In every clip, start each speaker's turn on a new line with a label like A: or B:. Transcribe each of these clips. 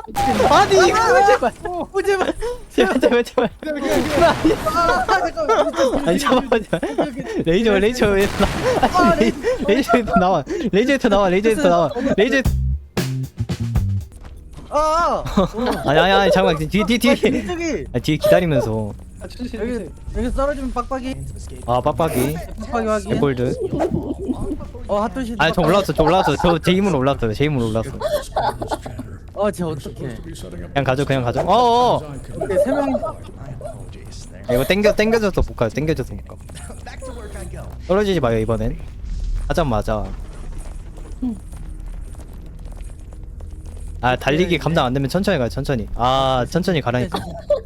A: 아니 이거 제발
B: 제발.
A: 제발 아니 잠깐만 레이저 왜 나와 아니 레이저에서 나와 레이저에서 나와 아니 잠깐만 뒤에
B: 저기.
A: 뒤에 기다리면서
B: 여기 떨어지면 빡빡이.
A: 아 빡빡이
B: 빡빡이 확인.
A: 개골드
B: 핫도시.
A: 아니 저 올라왔어 저 제 힘으로 올랐어요 제 힘으로 올랐어
B: 쟤 어떡해.
A: 그냥 가죠 어어
B: 오케이, 3명.
A: 이거 땡겨져서 못 가요 땡겨져서 못 가. 떨어지지 마요 이번엔 하자마자 아 달리기 감당 안 되면 천천히 가요 천천히 아 천천히 가라니까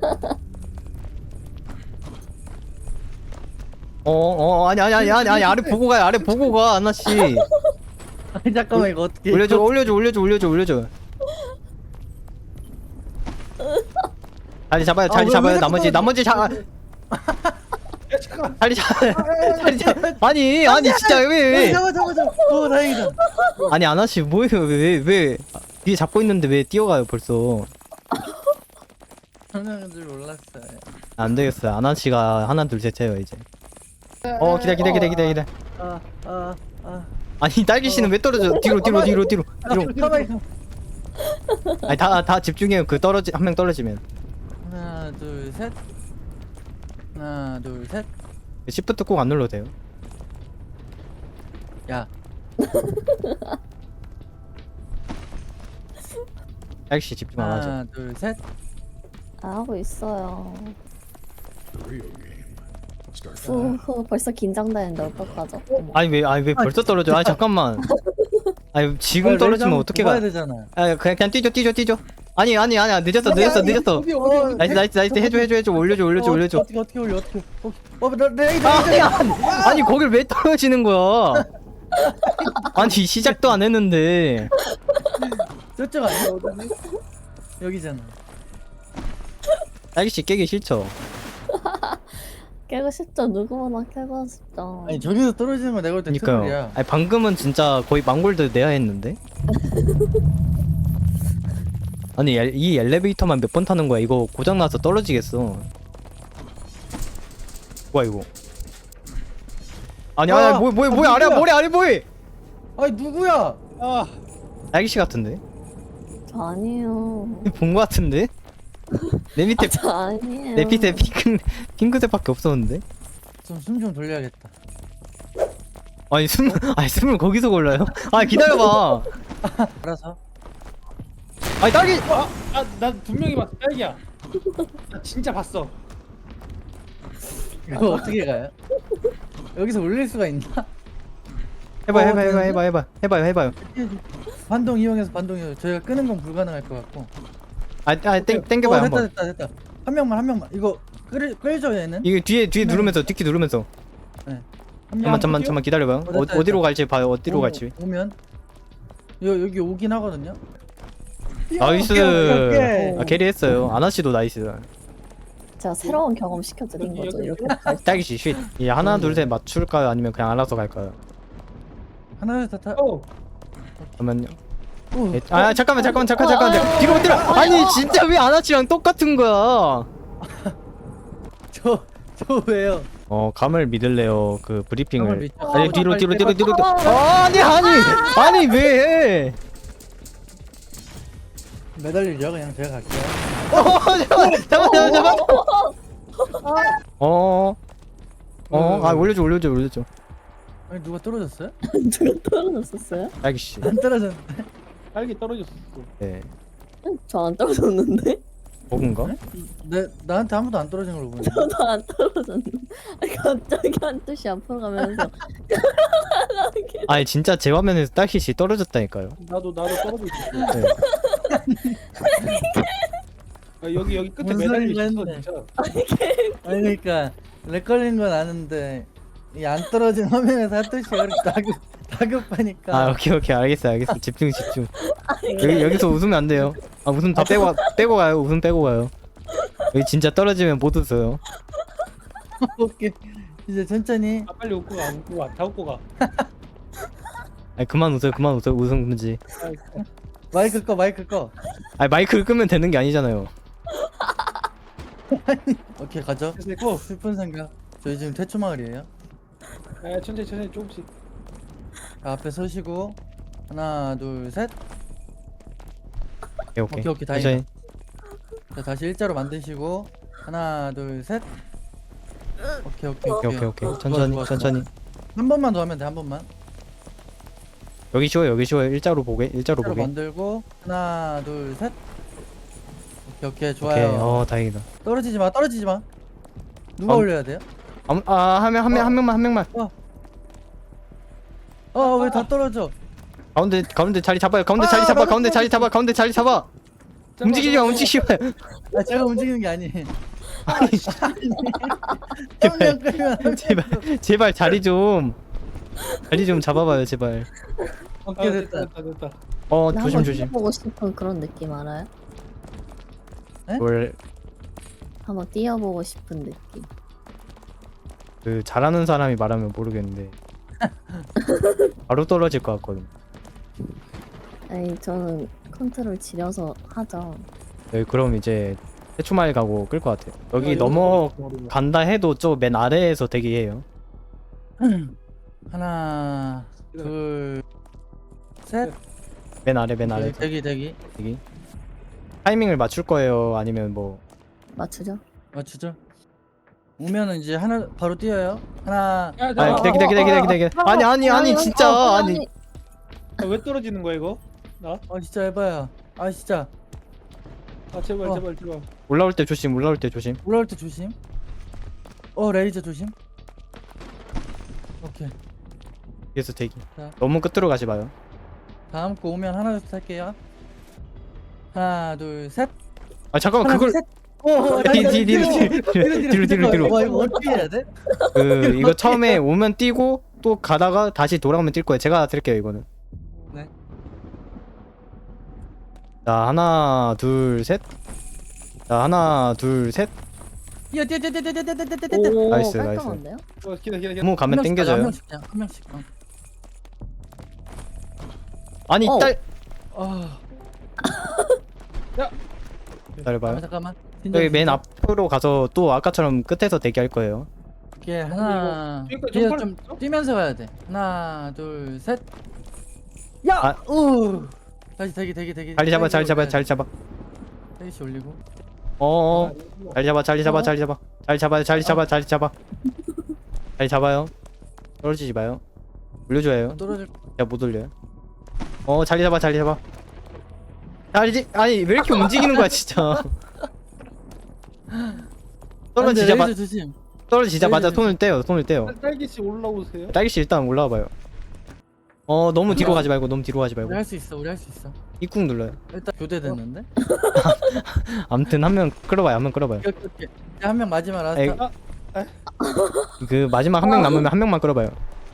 A: 아니 아래 보고 가요 아래 보고 가 아나씨
B: 아니 잠깐만 이거 어떻게?
A: 올려줘 자리 잡아요 나머지 자리 잡 아니 진짜 왜
B: 잡아. 오 다행이다.
A: 아니 아나씨 뭐예요 왜 뒤에 잡고 있는데 왜 뛰어가요 벌써
B: 하나인 줄 몰랐어요.
A: 안 되겠어요 아나씨가 하나 둘 셋 해요 이제 기다려
B: 아.
A: 아니 딸기씨는 왜 떨어져 뒤로
B: 가만히.
A: 아니 다 집중해요 그 한 명 떨어지면
B: 하나 둘 셋.
A: 시프트 꼭 안 눌러도 돼요
B: 야.
A: 딸기씨 집중 안 하죠
B: 하나 둘 셋.
C: 하고 있어요. 벌써 긴장되는데 어떡하죠?
A: 아니 왜 벌써 떨어져 아니 잠깐만 아니 지금 떨어지면 어떻게 가
B: 가야 되잖아.
A: 아 그냥 뛰죠 아니 늦었어 나이스 해줘 올려줘
B: 어떻게 올려? 레이더.
A: 아니 거길 왜 떨어지는 거야 아니 시작도 안 했는데
B: 저쪽 아니야? 어디지? 여기잖아.
A: 딸기씨 깨기 싫죠
C: 깨고 싶죠. 누구나 깨고 싶죠.
B: 아니 저기서 떨어지는 거 내가 볼 때
A: 그니까요
B: 트롤이야.
A: 아니 방금은 진짜 거의 망골드 내야 했는데 아니 이 엘리베이터만 몇 번 타는 거야 이거 고장나서 떨어지겠어 뭐야 이거 아니 뭐야 아래 뭐해
B: 아니 누구야?
A: 딸기씨 같은데
C: 저 아니에요.
A: 본 거 같은데 내 밑에
C: 저 아니에요.
A: 내 밑에 핑크색밖에 없었는데
B: 숨 좀 돌려야겠다.
A: 아니 숨을 거기서 골라요 아 기다려봐
B: 알아서.
A: 아니 딸기
D: 나 분명히 봤어 딸기야. 나 진짜 봤어.
B: 이거 어떻게 가요? 여기서 올릴 수가 있나?
A: 해봐요
B: 반동 이용해서 저희가 끄는 건 불가능할 것 같고.
A: 땡겨봐요 한번
B: 됐다. 한 명만. 이거 끌죠 얘는?
A: 이게 뒤에 누르면서 뒤키 누르면서
B: 네. 한 명.
A: 잠깐만 기다려봐요
B: 됐다.
A: 어디로 갈지 봐요 어디로 갈지
B: 오면 여기 오긴 하거든요.
A: 나이스
B: 오케이.
A: 아 캐리했어요 아나씨도 나이스
C: 제가 새로운 경험 시켜드린 거죠. 이렇게
A: 딸기씨 쉿 이게 하나 둘 셋 맞출까요 아니면 그냥 알아서 갈까요
B: 하나 둘 셋 다.
A: 잠깐만요
B: 오.
A: 아 잠깐만 뒤로 못 들어 아니 진짜 왜 아나씨랑 똑같은 거야
B: 저 왜요?
A: 감을 믿을래요 그
B: 감을
A: 브리핑을
B: 믿죠.
A: 아니 뒤로 아니 왜
B: 매달리죠 그냥 제가 갈게요.
A: 잠깐만 올려줘
B: 아니 누가 떨어졌어요?
C: 누가 떨어졌었어요?
A: 딸기씨
B: 안 떨어졌는데?
D: 딸기 떨어졌어.
A: 네
C: 저 안 떨어졌는데?
A: 버그인가?
B: 나한테 아무도 안 떨어진 걸로 보이네.
C: 저도 안 떨어졌는데. 아니, 갑자기 한 뚜시 앞으로 가면서
A: 아니 진짜 제 화면에서 딸기씨 떨어졌다니까요
D: 나도 떨어져 있어.
A: 네.
D: 여기 끝에
B: 무슨
D: 매달려
B: 소리가
D: 있어
B: 했네.
D: 진짜.
B: 아니 그러니까 렉 걸린 건 아는데 이 안 떨어진 화면에서 한 뚜시 이렇게 다급하니까.
A: 아 오케이 알겠어 집중 여기서 웃으면 안 돼요 아 웃음 다 빼고 가요 웃음 빼고 가요 여기 진짜 떨어지면 못 웃어요
B: 오케이 이제 천천히.
D: 아 빨리 웃고 가. 다 웃고 가.
A: 아니 그만 웃어요 웃음 금지
B: 마이크 꺼.
A: 아니 마이크를 끄면 되는 게 아니잖아요.
B: 오케이 가죠.
D: 됐고.
B: 슬픈 생각. 저희 지금 태초 마을이에요.
D: 아, 천천히 조금씩.
B: 자, 앞에 서시고 하나 둘 셋.
A: 오케이
B: 오케이, 다행이다.
A: 천천히.
B: 자 다시 일자로 만드시고 하나 둘 셋. 오케이.
A: 오케이
B: 좋아,
A: 천천히
B: 좋아.
A: 천천히.
B: 한 번만 더 하면 돼 한 번만.
A: 여기 쉬워요 일자로 보게 일자로
B: 일자로
A: 보게.
B: 만들고 하나 둘 셋. 오케이
A: 오케이
B: 좋아요.
A: 다행이다.
B: 떨어지지 마. 누가 올려야 돼요?
A: 한 명만.
B: 왜 다 떨어져?
A: 가운데 자리 잡아요. 가운데 자리 잡아. 가운데 자리 잡아. 움직이지 마.
B: 아 제가 움직이는 게 아니에요.
A: 아니,
B: 한명 끌면 한 명.
A: 제발 자리 좀 잡아봐요 제발.
B: 오케이 됐다.
D: 됐다.
A: 조심.
C: 보고 싶은 그런 느낌 알아요?
A: 뭘
C: 한번 뛰어보고 싶은 느낌.
A: 그 잘하는 사람이 말하면 모르겠는데 바로 떨어질 것 같거든.
C: 아니 저는 컨트롤 지려서 하죠.
A: 네, 그럼 이제 해초마을 가고 끌 것 같아요.
D: 아,
A: 여기 넘어간다 해도 저 맨 아래에서 대기해요.
B: 하나 둘 셋.
A: 맨 아래
B: 대기.
A: 대기. 타이밍을 맞출 거예요. 아니면 뭐
C: 맞추죠?
B: 맞추죠? 오면은 이제 하나 바로 뛰어요. 하나.
D: 야,
A: 아니 기다려. 아니 진짜 아니.
D: 왜 떨어지는 거야 이거? 나?
B: 진짜 해봐요. 진짜
D: 아 제발.
A: 올라올 때 조심.
B: 올라올 때 조심. 레이저 조심. 오케이.
A: 뒤에서 대기.
B: 자.
A: 너무 끝으로 가지 마요.
B: 다음 거 오면 하나 둘 셋 할게요. 하나 둘 셋.
A: 잠깐만
B: 하나
A: 그걸
B: 둘 셋.
A: 뒤로.
B: 와 이거 어떻게 해야 돼?
A: 이거 처음에 오면 뛰고 또 가다가 다시 돌아오면 뛸 거예요. 제가 드릴게요 이거는.
B: 네.
A: 자 하나 둘 셋.
B: 뛰어.
D: 오.
A: 나이스.
C: 깔끔한데요?
D: 기다.
A: 너무 가면
B: 한
A: 땡겨져요.
B: 명씩 그냥 한 명씩.
A: 아니 딸. 기다려봐요.
B: 잠깐만.
A: 여기 맨 앞으로 가서 또 아까처럼 끝에서 대기할 거예요.
B: 오케이 하나.
D: 그러니까
B: 뒤에
D: 점프를
B: 좀 뛰면서 가야 돼. 하나 둘 셋. 야.
A: 아.
B: 다시 대기.
A: 자리 잡아.
B: 대기씨 올리고.
A: 자리 잡아요. 떨어지지 마요. 올려줘야 해요.
B: 떨어질.
A: 야 못 올려요. 자리 잡아. 아니 왜 이렇게 움직이는 거야 진짜.
B: 레이저 조심.
A: 떨어지자마자 손을 떼요.
D: 딸기씨 올라오세요.
A: 딸기씨 일단 올라와봐요. 너무 뒤로 가지 말고.
B: 우리 할 수 있어.
A: 입국 눌러요.
B: 일단 교대됐는데.
A: 아무튼 한 명 끌어봐요.
B: 오케이. 한 명 마지막
A: 에이.
B: 라스트.
A: 그 마지막 한 명 남으면 한 명만 끌어봐요.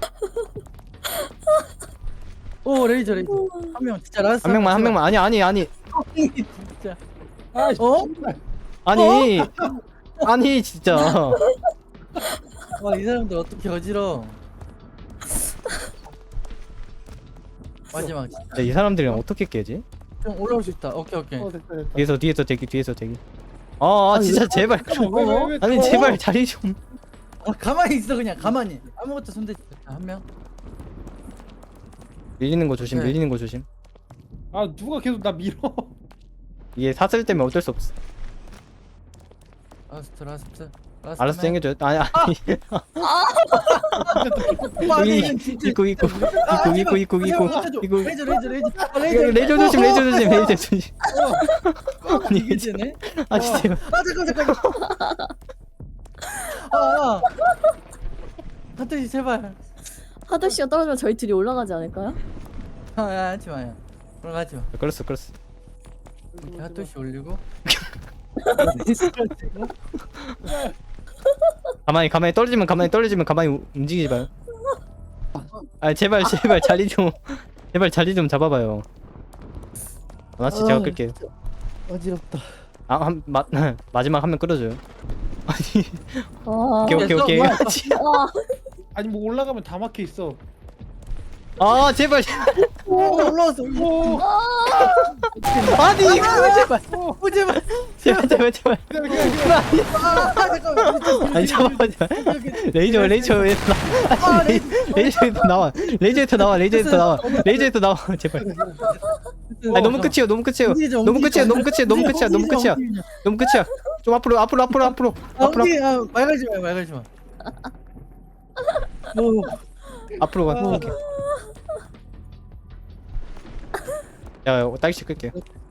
B: 레이저. 한 명 진짜 라스트.
A: 한 명만. 아니.
B: 진짜.
D: 아,
A: 아니 진짜.
B: 이 사람들 어떻게 어지러. 마지막 진짜.
A: 이 사람들이랑 어떻게 깨지?
B: 좀 올라올 수 있다. 오케이.
D: 됐다.
A: 뒤에서 대기. 진짜 제발.
D: 왜,
A: 아니 제발 자리 좀.
B: 가만히 있어 그냥 가만히. 아무것도 손대지. 한 명.
A: 밀리는 거 조심.
B: 네.
D: 아 누가 계속 나 밀어.
A: 이게 사슬 때문에 어쩔 수 없어.
B: 라스트.
A: 알아서 당겨줘요. 아니.
B: 아니 진짜.
A: 입구.
B: 레이저
A: 레이저 조심. 아니
B: 이제네.
A: 진짜.
B: 잠깐. 하트씨 제발.
C: 하드씨가 떨어지면 저희 둘이 올라가지 않을까요?
B: 하지 마요. 올라가지 마.
A: 끌었어.
B: 이렇게 하트씨 올리고.
A: 가만히 떨어지면 가만히 움직이지 마요. 제발 자리 좀 잡아봐요. 하나씩 제가 끌게요.
B: 어지럽다.
A: 마지막 한 명 끌어줘요. 아니
C: 와.
A: 오케이.
B: 뭐야?
C: 와.
D: 아니 뭐 올라가면 다 막혀 있어.
A: 제발.
B: 올라왔어.
D: 오.
A: 아니 이거
B: 제발. 제발.
A: 제발
B: 잠깐만.
A: 아니 잠깐만 레이저에서
B: 아,
A: 나와 레이저에서 나와 제발 아니 너무 끝이에요 너무 끝이에요 좀 앞으로
B: 말 걸지 마.
A: 앞으로 가 오케이 야 딸기 끌게요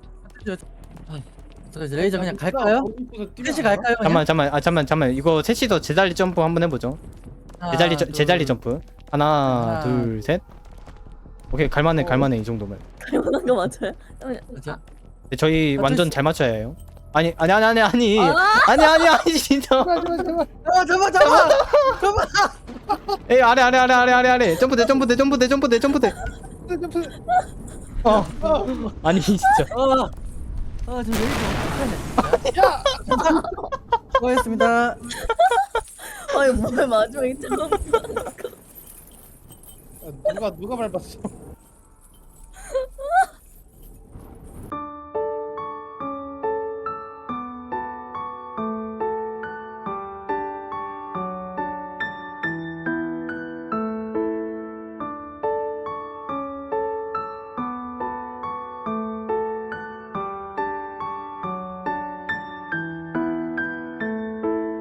B: 레이저 그냥 갈까요? 셋이 갈까요? 그냥?
A: 잠깐만 이거 셋이서 제자리 점프 한번 해보죠 제자리 점프 하나
B: 하나.
A: 둘 셋 오케이 갈만해 이 정도면
C: 갈만한 거 맞아요?
B: 자,
A: 근데 저희
B: 어쩔
A: 완전
B: 수-
A: 잘 맞춰야 해요 아니 진짜
B: 잡아.
A: 에이 아래 점프대 아니 진짜
B: 저 레이저 어떡하냐. 야. 수고하셨습니다.
C: 아니 뭐야 마지막에 처음
D: 누가 밟았어?